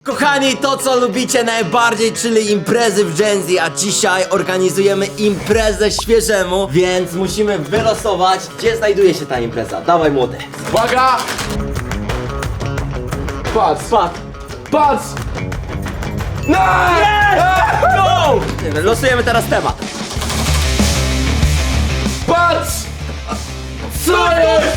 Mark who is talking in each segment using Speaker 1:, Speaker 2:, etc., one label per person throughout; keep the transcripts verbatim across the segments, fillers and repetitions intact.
Speaker 1: Kochani, to co lubicie najbardziej, czyli imprezy w Gen Z, a dzisiaj organizujemy imprezę świeżemu, więc musimy wylosować, gdzie znajduje się ta impreza. Dawaj młody.
Speaker 2: Uwaga! Patrz,
Speaker 1: Patrz.
Speaker 2: patrz! No!
Speaker 1: Go! Losujemy teraz temat.
Speaker 2: Patrz! Co jest?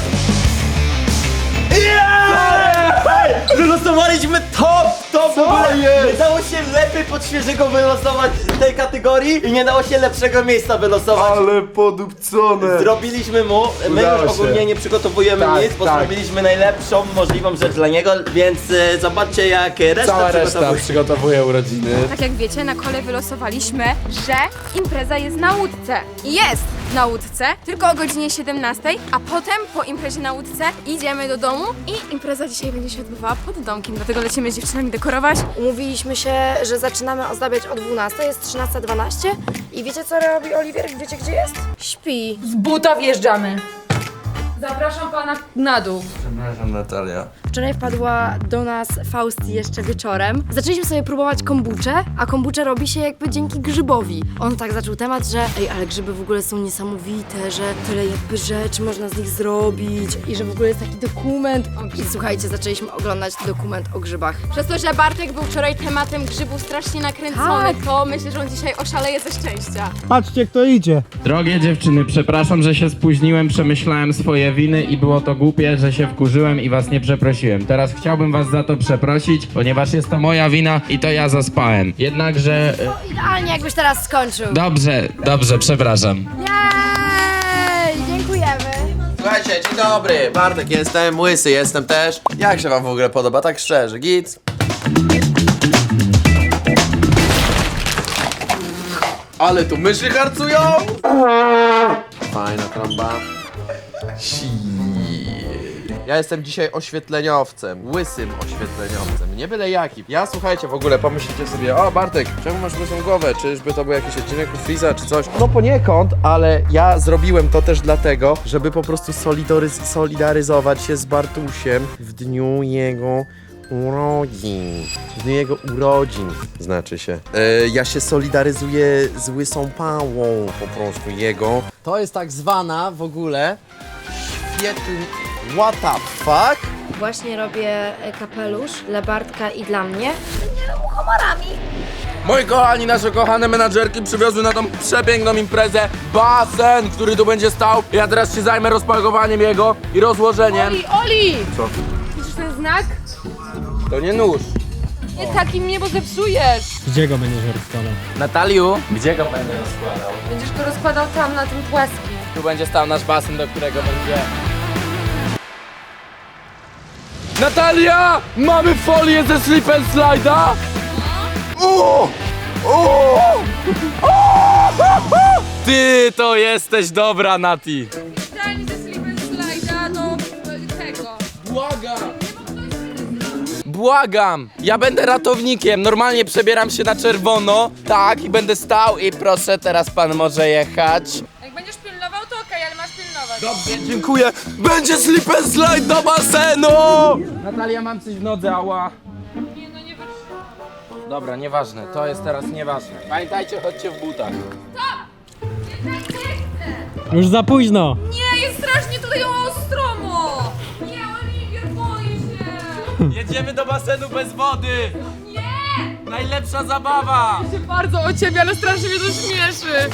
Speaker 1: Wylosowaliśmy top, top w
Speaker 2: Co
Speaker 1: ogóle.
Speaker 2: jest?
Speaker 1: Nie dało się lepiej pod świeżego wylosować tej kategorii i nie dało się lepszego miejsca wylosować.
Speaker 2: Ale podupcone!
Speaker 1: Zrobiliśmy mu, my
Speaker 2: Udało
Speaker 1: już
Speaker 2: się.
Speaker 1: ogólnie nie przygotowujemy
Speaker 2: Tak,
Speaker 1: nic, bo
Speaker 2: tak.
Speaker 1: zrobiliśmy najlepszą możliwą rzecz dla niego, więc y, zobaczcie jak reszta
Speaker 2: Cała reszta
Speaker 1: przygotowuje.
Speaker 2: przygotowuje urodziny.
Speaker 3: Tak jak wiecie, na kole wylosowaliśmy, że impreza jest na łódce. I jest na łódce, tylko o godzinie siedemnastej, a potem po imprezie na łódce idziemy do domu i impreza dzisiaj będzie się odbywała pod domkiem, dlatego lecimy z dziewczynami dekorować.
Speaker 4: Umówiliśmy się, że zaczynamy ozdabiać o dwunastej, jest trzynasta dwanaście i wiecie co robi Oliwier? Wiecie gdzie jest? Śpi.
Speaker 5: Z buta wjeżdżamy. Zapraszam pana na dół.
Speaker 2: Przepraszam, Natalia.
Speaker 4: Wczoraj wpadła do nas Fausti jeszcze wieczorem. Zaczęliśmy sobie próbować kombuczę, a kombuczę robi się jakby dzięki grzybowi. On tak zaczął temat, że ej, ale grzyby w ogóle są niesamowite, że tyle jakby rzeczy można z nich zrobić i że w ogóle jest taki dokument. I słuchajcie, zaczęliśmy oglądać dokument o grzybach.
Speaker 3: Przez to, że Bartek był wczoraj tematem grzybów strasznie nakręcony,
Speaker 4: Tak.
Speaker 3: to myślę, że on dzisiaj oszaleje ze szczęścia.
Speaker 6: Patrzcie, kto idzie.
Speaker 7: Drogie dziewczyny, przepraszam, że się spóźniłem, przemyślałem swoje winy i było to głupie, że się wkurzyłem i was nie przeprosiłem. Teraz chciałbym was za to przeprosić, ponieważ jest to moja wina i to ja zaspałem. Jednakże... e,
Speaker 4: No idealnie jakbyś teraz skończył.
Speaker 7: Dobrze, dobrze, przepraszam.
Speaker 4: Jej, dziękujemy.
Speaker 8: Słuchajcie, dzień dobry, Bartek jestem, łysy jestem też. Jak się wam w ogóle podoba, tak szczerze, git? Ale tu myszy harcują! Fajna trąba. Si. Ja jestem dzisiaj oświetleniowcem, łysym oświetleniowcem, nie byle jakim. Ja, słuchajcie, w ogóle pomyślicie sobie, o Bartek, czemu masz łysą głowę? Czyżby to był jakiś odcinek u Freeza czy coś? No poniekąd, ale ja zrobiłem to też dlatego, żeby po prostu solidaryz- solidaryzować się z Bartusiem w dniu jego urodzin. W dniu jego urodzin, znaczy się. E, ja się solidaryzuję z łysą pałą, po prostu jego. To jest tak zwana w ogóle świetl... What the fuck?
Speaker 4: Właśnie robię e, kapelusz dla Bartka i dla mnie.
Speaker 2: Moi kochani, nasze kochane menadżerki przywiozły na tą przepiękną imprezę basen, który tu będzie stał. Ja teraz się zajmę rozpakowaniem jego i rozłożeniem.
Speaker 5: Oli, Oli!
Speaker 2: Co?
Speaker 5: Widzisz ten znak?
Speaker 2: To nie nóż.
Speaker 5: Nie taki mnie, bo zepsujesz.
Speaker 6: Gdzie go będziesz rozkładał?
Speaker 7: Nataliu, gdzie go będę rozkładał?
Speaker 5: Będziesz go rozkładał tam na tym płaskim.
Speaker 7: Tu będzie stał nasz basen, do którego będzie...
Speaker 2: Natalia! Mamy folię ze slip and slide'a? O! O! Ty to jesteś dobra, Nati!
Speaker 5: Idealnie ze slip and slide'a do tego.
Speaker 2: Błagam! Błagam! Ja będę ratownikiem, normalnie przebieram się na czerwono, tak, i będę stał i proszę, teraz pan może jechać.
Speaker 5: Jak będziesz pilnował, to okej, ale masz pilnować.
Speaker 2: Dobrze, dziękuję. Będzie slip and slide do basenu! Natalia, mam coś w nodze, ała.
Speaker 5: Nie, no nie wytrzymam.
Speaker 2: Dobra, nieważne, to jest teraz nieważne. Pamiętajcie, chodźcie w butach.
Speaker 6: Już za późno.
Speaker 5: Nie, jest strasznie tutaj ostromo. Nie, Oliwier, boję się.
Speaker 2: Jedziemy do basenu bez wody!
Speaker 5: Nie!
Speaker 2: Najlepsza zabawa!
Speaker 5: Się bardzo o ciebie, ale strasznie mnie to śmieszy.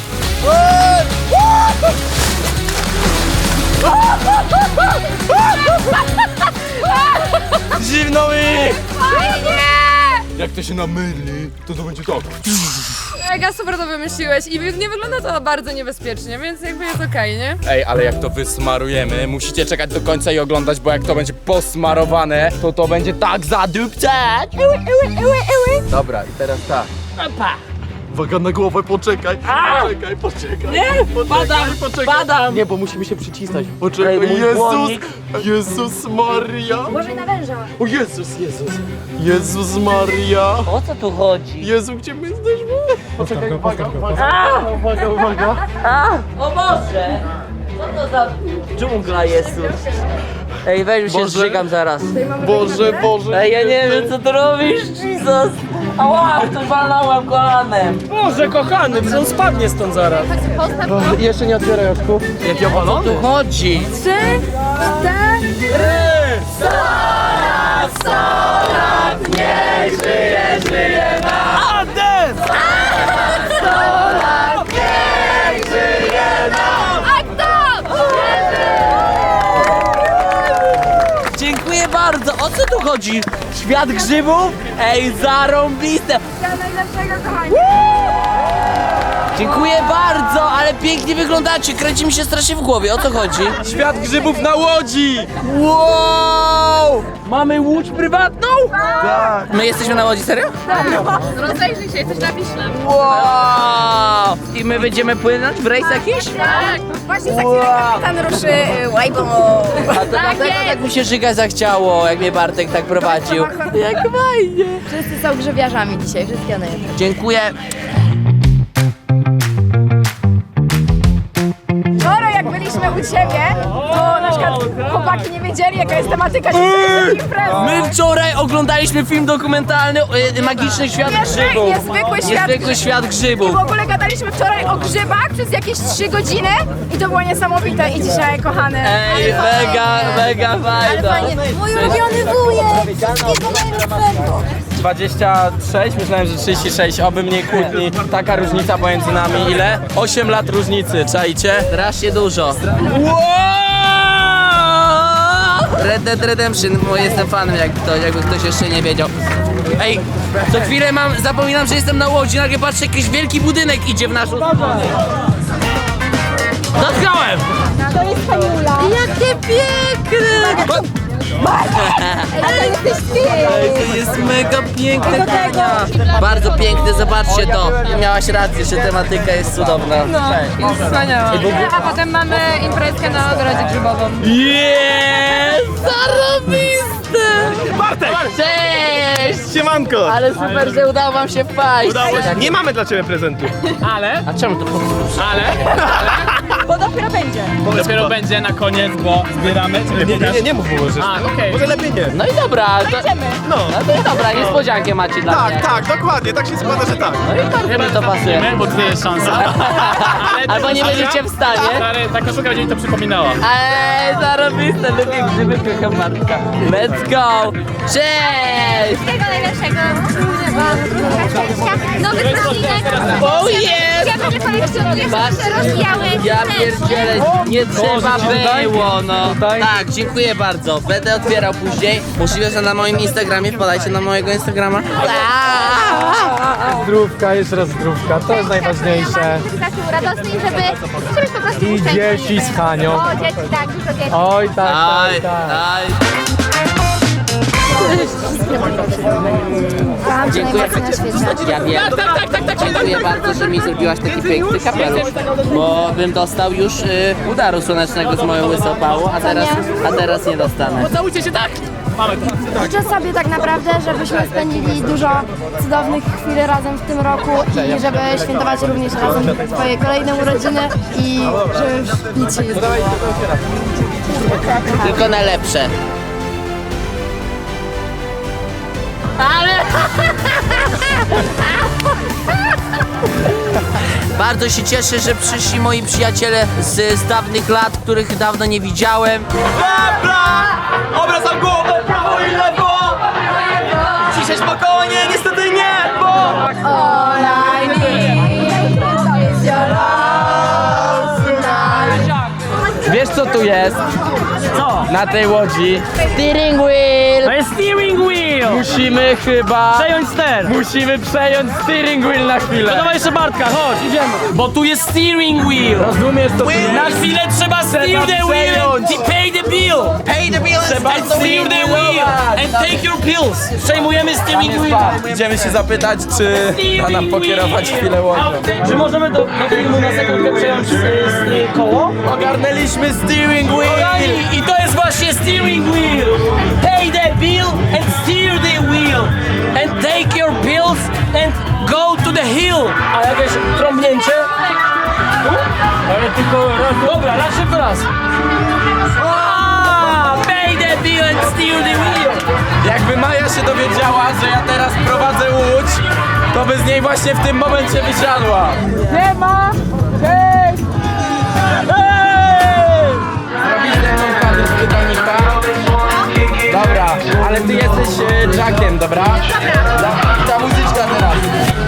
Speaker 2: Zimno mi!
Speaker 5: Fajnie!
Speaker 2: Jak to się namyli, to to będzie tak.
Speaker 5: Mega super to wymyśliłeś i nie wygląda to bardzo niebezpiecznie, więc jakby jest okej, nie?
Speaker 2: Ej, ale jak to wysmarujemy, musicie czekać do końca i oglądać, bo jak to będzie posmarowane, to to będzie tak zadupcać. Dobra, i teraz tak. Uwaga na głowę, poczekaj, poczekaj, poczekaj. Nie, badam, poczekaj. badam. Nie, bo musimy się przycisnąć. Poczekaj, Jezus, Jezus Maria.
Speaker 4: Uważaj na węża.
Speaker 2: O Jezus, Jezus, Jezus Maria.
Speaker 9: O co tu chodzi?
Speaker 2: Jezu, gdzie my jesteśmy? Poczekaj, uwaga,
Speaker 6: go,
Speaker 2: uwaga, uwaga, uwaga.
Speaker 9: O Boże! Co to za dżungla jest tu? Ej, weź się zżygam zaraz.
Speaker 8: Boże, Boże.
Speaker 9: Ej, ja nie wiem co tu robisz, Jesus. Ała, tu walnąłem kolanem.
Speaker 6: Boże, kochany, przecież on spadnie stąd zaraz.
Speaker 8: Jeszcze nie otwieraj oczku.
Speaker 2: Jaki opalony?
Speaker 9: Tu chodzi.
Speaker 3: Trzy, cztery.
Speaker 9: Dziękuję bardzo. O co tu chodzi? Świat grzybów? Ej, zarąbiste.
Speaker 3: Najlepszego, kochani.
Speaker 9: Dziękuję bardzo, ale pięknie wyglądacie. Kręci mi się strasznie w głowie. O co chodzi?
Speaker 2: Świat grzybów na łodzi!
Speaker 9: Wow! Mamy łódź prywatną? Tak. My jesteśmy na łodzi, serio?
Speaker 5: Rozejrzyj się, jesteś na Wiśle.
Speaker 9: Wow! I my będziemy płynąć w rejs jakiś?
Speaker 5: Tak.
Speaker 3: Właśnie za chwilę kapitan ruszy y, łajbą.
Speaker 9: A to dlatego tak mi się żyga zachciało, jak mnie Bartek tak prowadził. Jak fajnie!
Speaker 4: Wszyscy są grzybiarzami dzisiaj, wszystkie najlepsze.
Speaker 9: Dziękuję.
Speaker 3: Wczoraj jak byliśmy u ciebie, to na przykład chłopaki nie wiedzieli jaka jest tematyka dzisiejszej imprezy.
Speaker 9: My wczoraj oglądaliśmy film dokumentalny y, Magiczny Świat
Speaker 3: Niezwy-
Speaker 9: Grzybów.
Speaker 3: niezwykły świat
Speaker 9: Niezwykły świat
Speaker 3: I
Speaker 9: grzybów.
Speaker 3: w ogóle gadaliśmy wczoraj o grzybach przez jakieś trzy godziny i to było niesamowite. I dzisiaj, kochany.
Speaker 9: Ej, mega, mega fajno.
Speaker 4: Mój ulubiony wujek! Wszystkiego najlepszego!
Speaker 2: dwadzieścia sześć, myślałem, że trzydzieści sześć, oby mniej kłótni. Taka różnica pomiędzy nami. Ile? osiem lat różnicy, czajcie?
Speaker 9: Strasznie dużo. Red Dead Redemption, bo jestem fanem, jak to, jakby ktoś jeszcze nie wiedział. Ej, co chwilę mam, zapominam, że jestem na łodzi, nagle patrzę, jakiś wielki budynek idzie w naszą stronę. Dotknąłem!
Speaker 4: Jakie piękne!
Speaker 9: Ej, to jest mega piękne, Kania. Bardzo piękne, zobaczcie to. Miałaś rację, że tematyka jest cudowna.
Speaker 5: Jest wspaniała. A potem mamy imprezkę na ogrodzie grzybową.
Speaker 9: Jest! Zarobiste!
Speaker 2: Bartek!
Speaker 9: Cześć!
Speaker 2: Siemanko!
Speaker 9: Ale super, że udało wam się wpaść.
Speaker 2: Udało się. Nie mamy dla ciebie prezentu. Ale?
Speaker 9: A czemu to powtórzysz?
Speaker 2: Ale?
Speaker 3: Bo dopiero będzie.
Speaker 6: Dopiero będzie na koniec, bo zbieramy.
Speaker 2: Nie, nie, nie, nie mów mu, że...
Speaker 6: A, okej.
Speaker 2: Może lepiej nie.
Speaker 9: No i dobra, to,
Speaker 2: No.
Speaker 9: no to dobra, niespodziankę macie dla mnie.
Speaker 2: Tak, tak, dokładnie, tak się składa, że tak.
Speaker 9: No i bardzo mi to pasuje.
Speaker 6: Bo tutaj jest szansa.
Speaker 9: Albo nie będziecie w stanie.
Speaker 6: Stary, ta koszulka będzie mi to przypominała.
Speaker 9: Eee, zarobiste, lubię grzyby, kocham Bartka. Let's go! Cześć!
Speaker 10: Wszystkiego najlepszego. Nowy odcinek.
Speaker 9: Oh yes!
Speaker 10: Ja będę kolekcjonujesz
Speaker 9: Patrz.
Speaker 10: nasze rozbiałe.
Speaker 9: Ja pierdzielę, nie trzeba było, no. Tak, dziękuję bardzo. Będę otwierał później. Możliwe, że na moim Instagramie, wpadajcie na mojego Instagrama.
Speaker 6: Zdrówka, jeszcze raz zdrówka, to jest najważniejsze.
Speaker 10: Takim radosny, żeby, żeby po prostu
Speaker 6: I dzieci z Hanią.
Speaker 10: O, dzieci, tak, dużo dzieci.
Speaker 6: Oj, tak,
Speaker 9: Aj,
Speaker 6: tak, tak.
Speaker 9: aj. Dziękuję. Ja wiem. Dziękuję bardzo, że mi zrobiłaś taki piękny kapelusz, bo bym dostał już y, udaru słonecznego z moją łysą pałą, a teraz, a teraz nie dostanę.
Speaker 6: Pocałujcie się tak! Mamy to.
Speaker 4: Życzę sobie tak naprawdę, żebyśmy spędzili dużo cudownych chwil razem w tym roku i żeby świętować również razem swoje kolejne urodziny i że już nic się nie zmieni.
Speaker 9: Tylko najlepsze. Ale... Bardzo się cieszę, że przyszli moi przyjaciele z, z dawnych lat, których dawno nie widziałem.
Speaker 2: Dobra! Obracam głowę, prawo i lewo! Ciszej spokojnie, niestety nie, bo...
Speaker 6: Wiesz co tu jest? Co? Na tej łodzi.
Speaker 9: Steering wheel!
Speaker 6: To jest steering wheel!
Speaker 9: Musimy chyba...
Speaker 6: Przejąć ster! Musimy przejąć steering wheel na chwilę. No dawaj jeszcze Bartka, chodź, idziemy.
Speaker 9: Bo tu jest steering wheel!
Speaker 6: Rozumiesz to?
Speaker 9: Na chwilę trzeba steer the wheel and pay the bill! Pay the bill and steer the wheel! And take your pills! Przejmujemy steering wheel!
Speaker 2: Idziemy się zapytać, czy da nam pokierować chwilę łodzią.
Speaker 6: Czy możemy do, do filmu na sekundkę przejąć y, y, koło?
Speaker 2: Ogarnęliśmy steering wheel!
Speaker 9: I to jest właśnie steering wheel! Pay the bill and steer the wheel! And take your pills and go to the hill!
Speaker 6: A jakieś trąbnięcie? Ale tylko raz, dobra, raz szybko raz.
Speaker 9: Ah, pay the
Speaker 2: Jakby Maja się dowiedziała, że ja teraz prowadzę łódź, to by z niej właśnie w tym momencie wysiadła. Nie ma! Hej! Hej! Zrobisz ze mną kawę z Titanica? Dobra, ale ty jesteś e, Jackiem, dobra? Dobra. Ta, ta muzyczka teraz.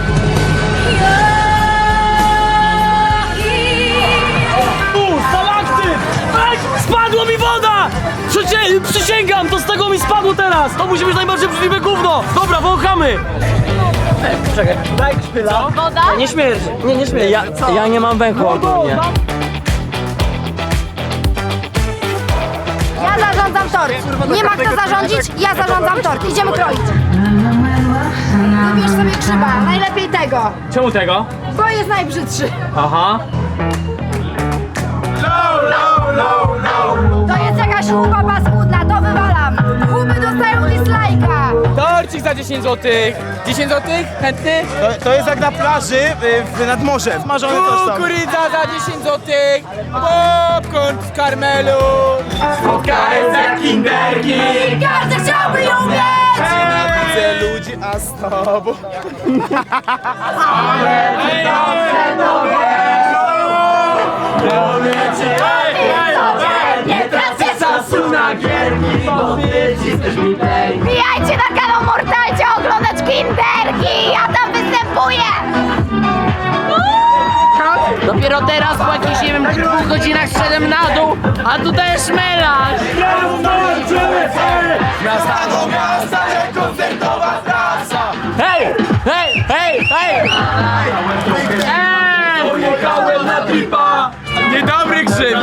Speaker 6: U, stalaktyt! Ej, spadła mi woda! Przycie, przysięgam, to z tego mi spadło teraz! To musi być najbardziej brzydliwe gówno! Dobra, wąchamy! Czekaj, daj szpyla.
Speaker 10: Woda?
Speaker 6: Nie śmierdzi. Nie, nie śmierdzi. Ja, ja nie mam węchu ogólnie.
Speaker 10: Ja zarządzam tort. Nie ma kto zarządzić, ja zarządzam tort. Idziemy kroić. Wybierz sobie grzyba, najlepiej tego,
Speaker 6: Czemu tego?
Speaker 10: bo jest najbrzydszy.
Speaker 6: Aha.
Speaker 10: To jest jakaś chuba paskudna, to wywalam. Chuby dostają dislike'a.
Speaker 2: Torcik za dziesięć złotych. dziesięć złotych? Chętny?
Speaker 11: To, to jest jak na plaży y, w, nad morzem. Smażone to są.
Speaker 2: Kukurydza za dziesięć złotych. Popcorn z karmelu. Spotkałem za kinderki.
Speaker 10: Każdy chciałby ją mieć.
Speaker 11: Widzę ludzi, a z tobą.
Speaker 10: Nie tracę czasu na gierki, wbijajcie na kanał Mortalcie oglądać kinderki, ja tam występuję.
Speaker 9: Dopiero teraz po jakichś, nie wiem, dwóch godzinach zszedłem na dół, a tutaj jest melarz.
Speaker 6: Hej! Hej! Hej! Hej!
Speaker 2: Pojechałem na tripa. Niedobry grzyb.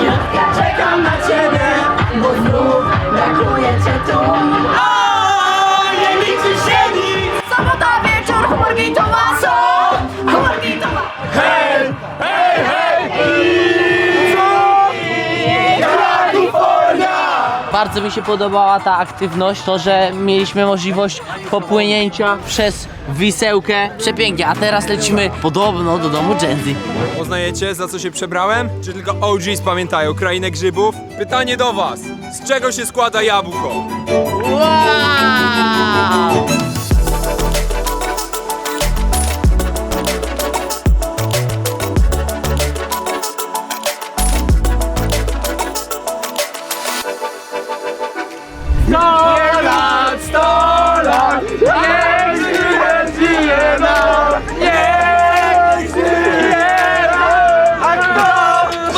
Speaker 10: Sobota wieczór, chmurki to ma co? Chmurki to ma.
Speaker 2: Hej! Hej! Hej!
Speaker 9: Bardzo mi się podobała ta aktywność, to, że mieliśmy możliwość popłynięcia przez Wisełkę. Przepięknie, a teraz lecimy podobno do domu Genzy.
Speaker 12: Poznajecie, za co się przebrałem? Czy tylko O Gs pamiętają krainę grzybów? Pytanie do was. Z czego się składa jabłko?
Speaker 9: Wow!
Speaker 2: sto lat, sto lat, niech żyje, żyje nam, niech żyje nam, a kto?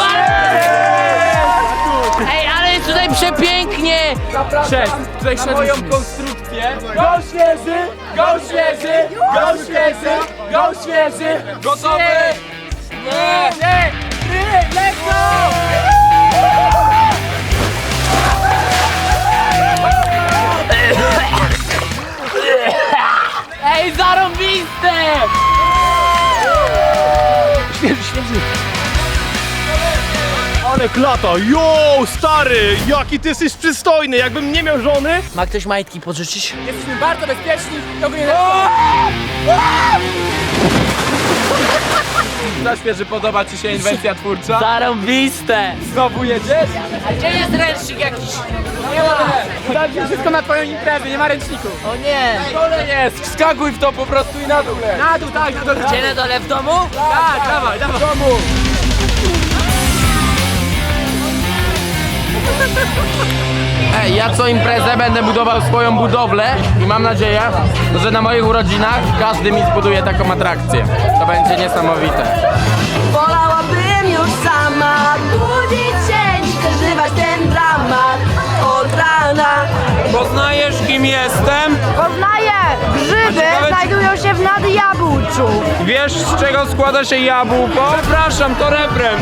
Speaker 9: Ej, ale jest tutaj przepięknie!
Speaker 2: Cześć, tutaj na moją konstrukcję. Go świeży, go świeży, go świeży, go świeży. Gotowy? Nie, nie, nie, let's go!
Speaker 9: Ej, zarąbiste! Świeży, świeży.
Speaker 11: Ale klata, jo, stary, jaki ty jesteś przystojny, jakbym nie miał żony.
Speaker 9: Ma ktoś majtki pożyczyć?
Speaker 2: Jesteśmy bardzo bezpieczni, to go nie Zaświeży, podoba ci się inwencja twórcza?
Speaker 9: Zarąbiste!
Speaker 2: Znowu jedziesz?
Speaker 9: A gdzie jest ręcznik jakiś?
Speaker 2: Nie ma. Dam wszystko na twoją imprezę, nie ma ręczników.
Speaker 9: O nie!
Speaker 2: Na dole jest, wskakuj w to po prostu i na dół leć. Na dół, tak, na dole.
Speaker 9: Gdzie na dole w domu?
Speaker 2: Tak, dawaj, dawaj. W domu. Ej, ja co imprezę będę budował swoją budowlę i mam nadzieję, że na moich urodzinach każdy mi zbuduje taką atrakcję. To będzie niesamowite.
Speaker 4: Wolałabym już sama budzić się, niż przeżywać ten dramat od rana.
Speaker 12: Poznajesz, kim jestem?
Speaker 10: Poznaję, grzyby
Speaker 12: ciekawe, czy-
Speaker 10: znajdują się w nadjabłczu.
Speaker 12: Wiesz, z czego składa się jabłko? Przepraszam, to refren.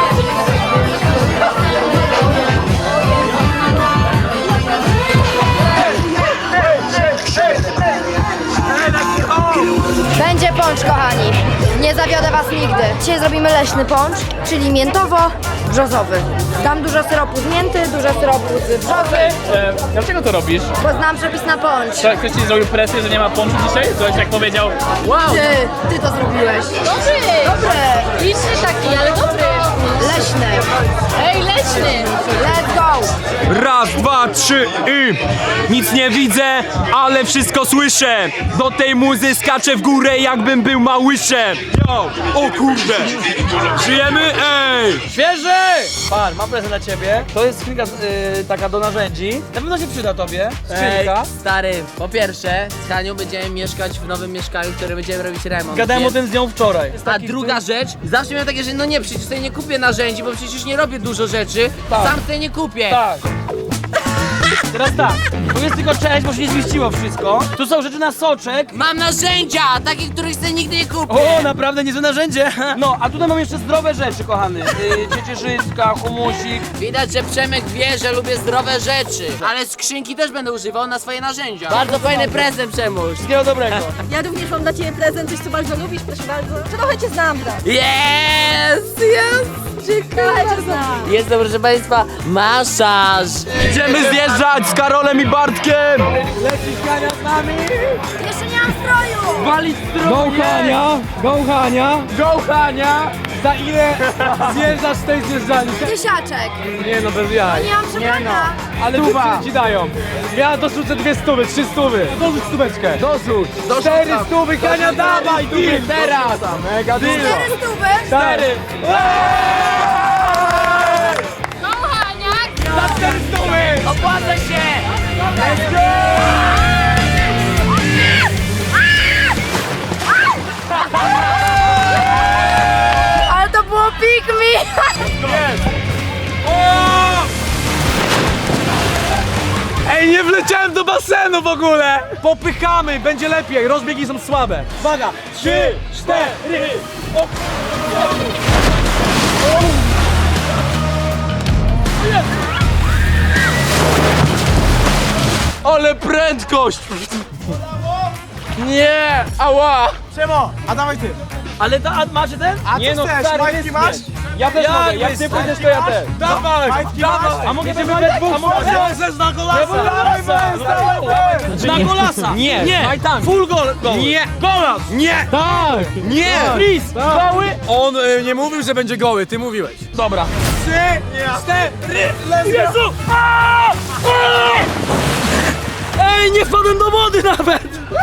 Speaker 10: Będzie poncz, kochani. Nie zawiodę was nigdy. Dzisiaj zrobimy leśny poncz, czyli miętowo,
Speaker 4: brzozowy. Dam dużo syropu z mięty, dużo syropu z brzozy,
Speaker 6: E, dlaczego to robisz?
Speaker 4: bo znam przepis na poncz.
Speaker 6: To ktoś ci zrobił presję, że nie ma ponczu dzisiaj? Ktoś tak powiedział, wow!
Speaker 4: Ty, ty to zrobiłeś.
Speaker 10: Dobry!
Speaker 4: Dobre,
Speaker 10: Liczny taki, ale dobry!
Speaker 4: leśne.
Speaker 10: Ej, leśny!
Speaker 4: Let's go!
Speaker 12: Raz, dwa, trzy i... Nic nie widzę, ale wszystko słyszę. Do tej muzy skaczę w górę, jakbym był małyszem. Yo, o kurde. Żyjemy? Ej!
Speaker 6: Świeży! Pan, mam prezent dla ciebie. To jest skrzynka y, taka do narzędzi. Na pewno się przyda tobie. Skrzynka.
Speaker 9: Ej, stary, po pierwsze, z Hanią będziemy mieszkać w nowym mieszkaniu, w którym będziemy robić remont.
Speaker 6: Gadałem o
Speaker 9: więc-
Speaker 6: tym z nią wczoraj. Jest
Speaker 9: A
Speaker 6: taki
Speaker 9: druga rzecz, zawsze miałem takie, że no nie, przecież sobie nie kupię narzędzi, bo przecież nie robię dużo rzeczy,
Speaker 6: Tak.
Speaker 9: sam sobie nie kupię.
Speaker 6: Tak. Teraz tak, tu jest tylko część, bo się nie zmieściło wszystko. Tu są rzeczy na soczek.
Speaker 9: Mam narzędzia, takich, których sobie nigdy nie kupię.
Speaker 6: O, naprawdę niezłe narzędzie. No, a tutaj mam jeszcze zdrowe rzeczy, kochany. Yy, ciecierzyska, humusik.
Speaker 9: Widać, że Przemek wie, że lubię zdrowe rzeczy, ale skrzynki też będę używał na swoje narzędzia. Bardzo fajny prezent, Przemuś.
Speaker 6: Wszystkiego dobrego.
Speaker 10: Ja również mam dla ciebie prezent, coś co bardzo lubisz, proszę bardzo. Trochę cię znam, tak?
Speaker 9: Jest, jest.
Speaker 10: Trochę cię znam.
Speaker 9: Jest to, proszę państwa, masaż.
Speaker 12: Idziemy zjeżdżać z Karolem i Bartkiem.
Speaker 10: Jeszcze nie mam stroju!
Speaker 6: Walić Go Hania, go Hania, go Hania. Za ile zjeżdżasz z tej zjeżdżalni?
Speaker 10: Tysiaczek!
Speaker 6: Nie no, bez jaj.
Speaker 10: Nie mam przebrania!
Speaker 6: Ale dziewczyny ci dają. Ja dorzucę dwie stówy, trzy stówy. Dorzuć stóweczkę. Dorzuć. Cztery stówy, Hania, dawaj tu teraz. Mega dużo.
Speaker 10: Cztery stówy!
Speaker 6: Cztery.
Speaker 10: Kochaniak!
Speaker 6: Za cztery stówy.
Speaker 9: Opłaca się.
Speaker 6: Let's go.
Speaker 4: Ale to było pick me!
Speaker 6: Ej, nie wleciałem do basenu w ogóle! Popychamy, będzie lepiej, rozbiegi są słabe. Uwaga, trzy, cztery, o.
Speaker 8: Ale prędkość! Nie! Ała!
Speaker 6: Przemo, a dawaj ty. Ale ta, a macie ten? A nie no, stary, majtki masz? Ja też mogę, jak ty pójdziesz, to ja też. Dawaj, dawaj! A mogę cię wybrać dwóch? A mogę cię na golasa! Dawaj, bez, Na golasa! Nie, nie! Full gol! Nie! Golas! Nie! Tak! Nie! Please! Goły!
Speaker 12: On y, nie mówił, że będzie goły, ty mówiłeś.
Speaker 6: Dobra. Trzy, cztery, Jezu! A! A! Ej, nie wpadłem do wody nawet!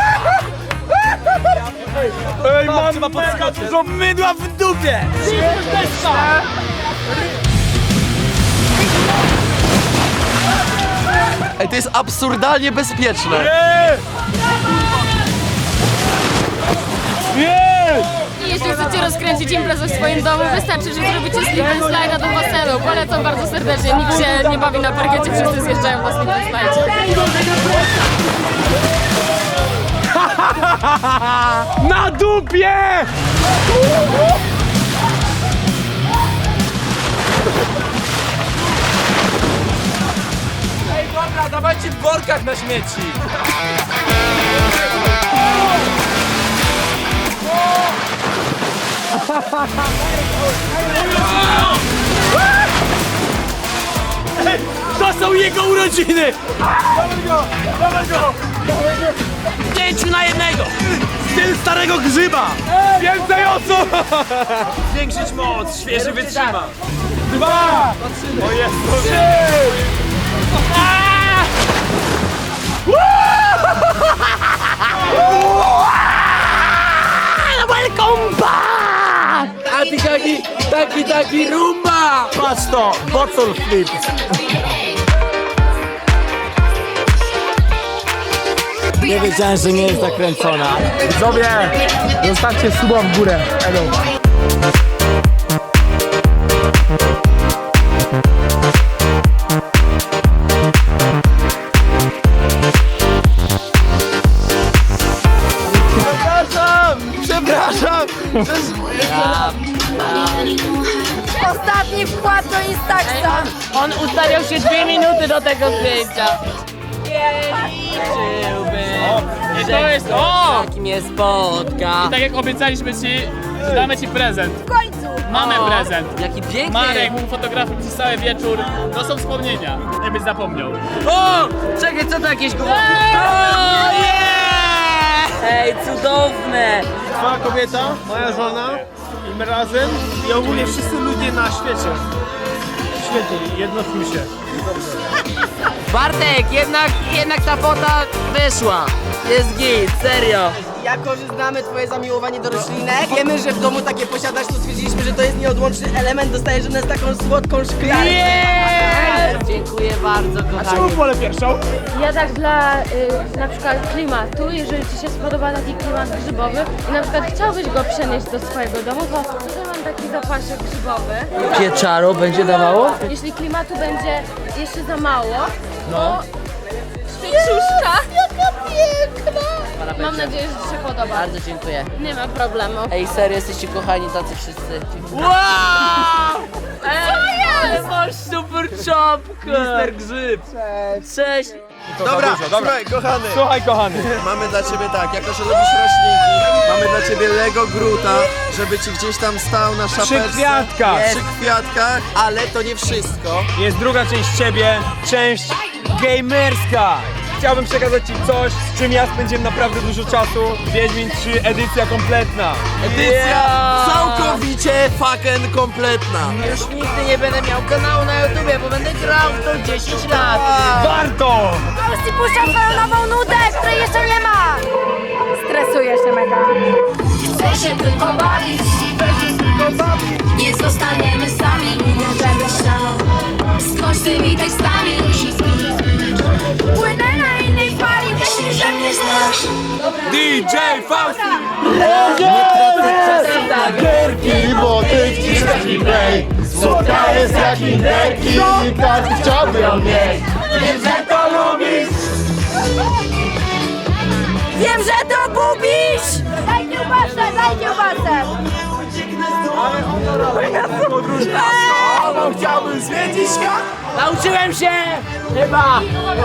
Speaker 6: Ej, mam chyba mega dużo mydła w dupie!
Speaker 8: Ej, to jest absurdalnie bezpieczne.
Speaker 5: I jeśli chcecie rozkręcić imprezę w swoim domu, wystarczy, że zrobicie slip and slide do basenu. Polecam bardzo serdecznie. Nikt się nie bawi na parkiecie, wszyscy zjeżdżają na slip and slide.
Speaker 6: Na dupie!
Speaker 12: Ej, dobra, dawajcie w workach na śmieci.
Speaker 6: To są jego urodziny! Dawaj go! Dawaj go! Pięciu na jednego! Styl starego grzyba! Więcej osób!
Speaker 12: Zwiększyć moc, świeży wytrzyma.
Speaker 6: Dwa! O Jezu! Trzy! Welcome back! A ty taki, taki, taki rumba! Patrz to, bottle flip!
Speaker 1: Nie wiedziałem, że nie jest zakręcona.
Speaker 6: Widzowie, zostawcie suba w górę. Elo.
Speaker 8: Przepraszam!
Speaker 4: Ostatni wkład do Instaxa!
Speaker 9: On ustawiał się dwie minuty do tego zdjęcia. Nie liczyłbym,
Speaker 6: I to jest, o!
Speaker 9: jak mnie spotka.
Speaker 6: Tak jak obiecaliśmy ci, Damy ci prezent.
Speaker 10: W końcu!
Speaker 6: Mamy prezent.
Speaker 9: Jaki piękny!
Speaker 6: Marek był fotografem przez cały wieczór. To są wspomnienia. Nie byś zapomniał.
Speaker 9: O! Czekaj, co to jakieś głowy? O, yeah! Ej, cudowne!
Speaker 11: Twoja kobieta, moja żona i my razem i ogólnie wszyscy ludzie na świecie. Świetnie, jednoczmy się.
Speaker 9: Bartek, jednak, jednak ta fota wyszła. Jest git, serio.
Speaker 13: Jako, że znamy twoje zamiłowanie do roślinek, wiemy, że w domu takie posiadasz, to stwierdziliśmy, że to jest nieodłączny element, dostajesz od nas taką słodką szklankę.
Speaker 9: Yeah! Dziękuję bardzo, kochani.
Speaker 11: Wolę pierwszą.
Speaker 5: Ja tak dla y, na przykład klimatu, jeżeli ci się spodoba taki klimat grzybowy i na przykład chciałbyś go przenieść do swojego domu, to tutaj mam taki zapaszek grzybowy.
Speaker 9: Pieczaro będzie dawało?
Speaker 5: Jeśli klimatu będzie jeszcze za mało, to świeczuszka. Jaka piękna! Mam nadzieję, że ci się podoba.
Speaker 9: Bardzo dziękuję.
Speaker 5: Nie ma problemu.
Speaker 9: Ej, serio, jesteście kochani tacy wszyscy.
Speaker 5: Wow! Co jest?
Speaker 9: Masz super czapkę! Mister Grzyb! Cześć! Cześć!
Speaker 8: Dobra, słuchaj, kochany.
Speaker 12: Słuchaj, kochany.
Speaker 8: Mamy dla ciebie tak, jako że lubisz roślinki, mamy dla ciebie Lego Gruta, żeby ci gdzieś tam stał na szapeczce.
Speaker 12: Przy kwiatkach.
Speaker 8: Przy kwiatkach, ale to nie wszystko.
Speaker 12: Jest druga część ciebie, część gamerska. Chciałbym przekazać ci coś, z czym ja spędziłem naprawdę dużo czasu. Wiedźmin trzy, edycja kompletna.
Speaker 8: Edycja całkowicie fucking kompletna.
Speaker 9: Już nigdy nie będę miał kanału na YouTubie, bo będę grał w to dziesięć lat.
Speaker 12: Warto!
Speaker 10: Fausti puszcza swoją nową nudę, której jeszcze nie ma! Stresuję się mega.
Speaker 14: Chcę się tylko bawić, nie zostaniemy sami, możemy się skończ tymi tekstami.
Speaker 10: Płynę na innej fali,
Speaker 14: Myślisz, że mnie znasz?
Speaker 12: D J Fausti!
Speaker 11: Gierki, bo ty wciskasz mi play. Słodka jest jak inderki i każdy chciałby ją mieć. Wiem, że to lubisz.
Speaker 10: wiem, że to bubisz! Daj kiełbasę, daj kiełbasę!
Speaker 11: Albo chciałbym zwiedzić świat.
Speaker 9: Nauczyłem się! Chyba!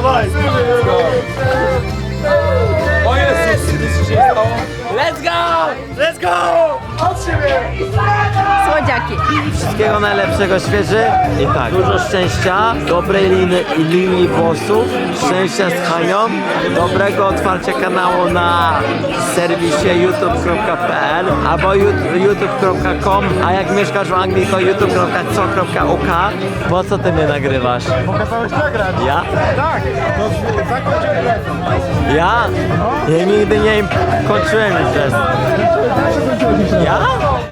Speaker 12: O Jezus, co się stało?
Speaker 9: Let's go!
Speaker 11: Let's go! Od siebie!
Speaker 10: Słodziaki.
Speaker 1: Wszystkiego najlepszego, świeży i tak, dużo szczęścia, dobrej liny i linii włosów, szczęścia z Hanią, dobrego otwarcia kanału na serwisie youtube kropka p l albo youtube kropka com, a jak mieszkasz w Anglii to youtube kropka co kropka u k. Po co ty mnie nagrywasz?
Speaker 11: Pokazałeś nagrać.
Speaker 1: Ja?
Speaker 11: Tak, to zakończył grę.
Speaker 1: Ja? Ja nigdy nie kończyłem imprez. Ja?